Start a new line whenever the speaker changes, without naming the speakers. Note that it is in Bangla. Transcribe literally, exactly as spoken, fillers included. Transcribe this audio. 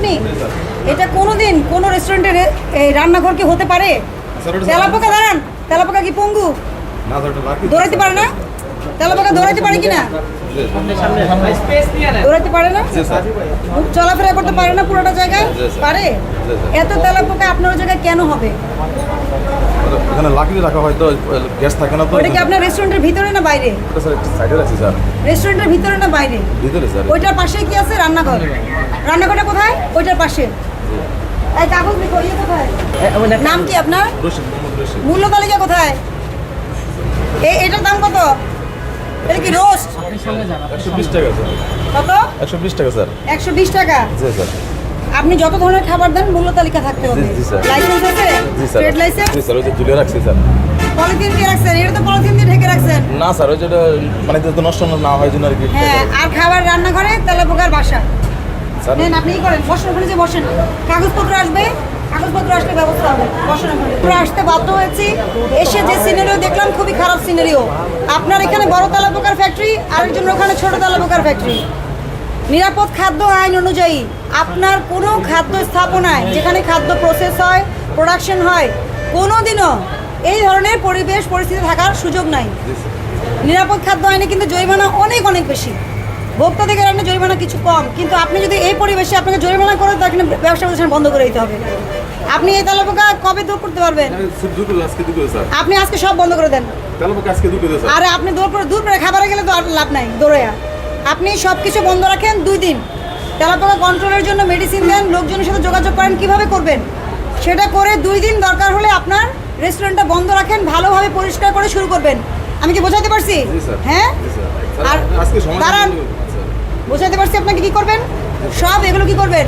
আপনি? এটা কোনোদিন কোনো রেস্টুরেন্টের এই রান্নাঘর কি হতে পারে? তেলাপোকা দাঁড়ান, তেলাপোকা কি পঙ্গু? দৌড়াইতে পারে না? তেলাপোকা দৌড়াইতে পারে কি না? দৌড়াইতে পারে না? চলাফেরা করতে পারে না পুরোটা জায়গায়? পারে? এত তেলাপোকা আপনার ওই জায়গায় কেন হবে?
এখানে লাকড়ি রাখা হয় তো গ্যাস থাকে না তো।
ওইটা কি আপনার রেস্টুরেন্টের ভিতরে না বাইরে?
এটা স্যার একটু সাইডে রাখছি স্যার।
রেস্টুরেন্টের ভিতরে না বাইরে?
ভিতরে স্যার।
ওইটার পাশে কি আছে? রান্নাঘর। রান্নাঘরটা কোথায়? ওইটার পাশে। এই কাগজ লিখো, ইয়ে কোথায়? নাম কি আপনার?
রশিদ, মোহাম্মদ রশিদ।
মূল্য তালিকা কোথায়? এই এটার দাম কত? এটা কি রোস্ট?
একশো বিশ টাকা স্যার।
কত?
একশো বিশ টাকা স্যার।
একশো বিশ টাকা।
জি স্যার।
আপনি যত ধরনের খাবার দেন মূল্য তালিকা থাকতে হবে।
জি, জি, স্যার।
লাইসেন্স আছে?
জি স্যার।
Trade licence?
জি স্যার, ওই যে ঝুলিয়ে রাখছি স্যার।
পলিথিন দিয়ে রাখছেন? এটা তো পলিথিন দিয়ে ঢেকে রাখছেন।
না স্যার, ওই যেটা মানে তো নষ্ট না হয় জন্য আর কি।
হ্যাঁ, আর খাবার রান্নাঘরে তেলাপোকার বাসা।
স্যার
নেন, আপনি ই করেন, বসেন ওখানে, যে বসেন। কাগজপত্র আসবে, কাগজপত্র আসলে ব্যবস্থা হবে। বসেন ওখানে। পুরো আসতে বাধ্য হয়েছি। এসে যে সিনারিও দেখলাম খুবই খারাপ সিনারিও। আপনার এখানে বড় তেলাপোকার ফ্যাক্টরি, আরেকজন ওখানে ছোট তেলাপোকার ফ্যাক্টরি। নিরাপদ খাদ্য আইন অনুযায়ী আপনার কোনো খাদ্য স্থাপনায় যেখানে খাদ্য প্রসেস হয়, প্রোডাকশন হয়, কোনোদিনও এই ধরনের পরিবেশ পরিস্থিতি থাকার সুযোগ নাই। নিরাপদ খাদ্য আইনে কিন্তু জরিমানা অনেক অনেক বেশি। ভোক্তা থেকে আইনে জরিমানা কিছু কম, কিন্তু আপনি যদি এই পরিবেশে আপনাকে জরিমানা করেন তাহলে কিন্তু ব্যবসা প্রতিষ্ঠান বন্ধ করে দিতে হবে। আপনি এই তেলাপোকা কবে দূর করতে পারবেন? আপনি আজকে সব বন্ধ করে দেন। আরে আপনি দূর করে দূর করে খাবারে গেলে তো আর লাভ নাই দৌড়াইয়া। আপনি সব কিছু বন্ধ রাখেন দুই দিন। তেলাপোকা কন্ট্রোলের জন্য মেডিসিন দেন, লোকজনের সাথে যোগাযোগ করেন, কিভাবে করবেন সেটা করে দুই দিন দরকার হলে আপনার রেস্টুরেন্টটা বন্ধ রাখেন, ভালোভাবে পরিষ্কার করে শুরু করবেন। আমি কি বোঝাতে পারছি? হ্যাঁ, আর দাঁড়ান, বোঝাতে পারছি আপনাকে কি করবেন, সব এগুলো কি করবেন।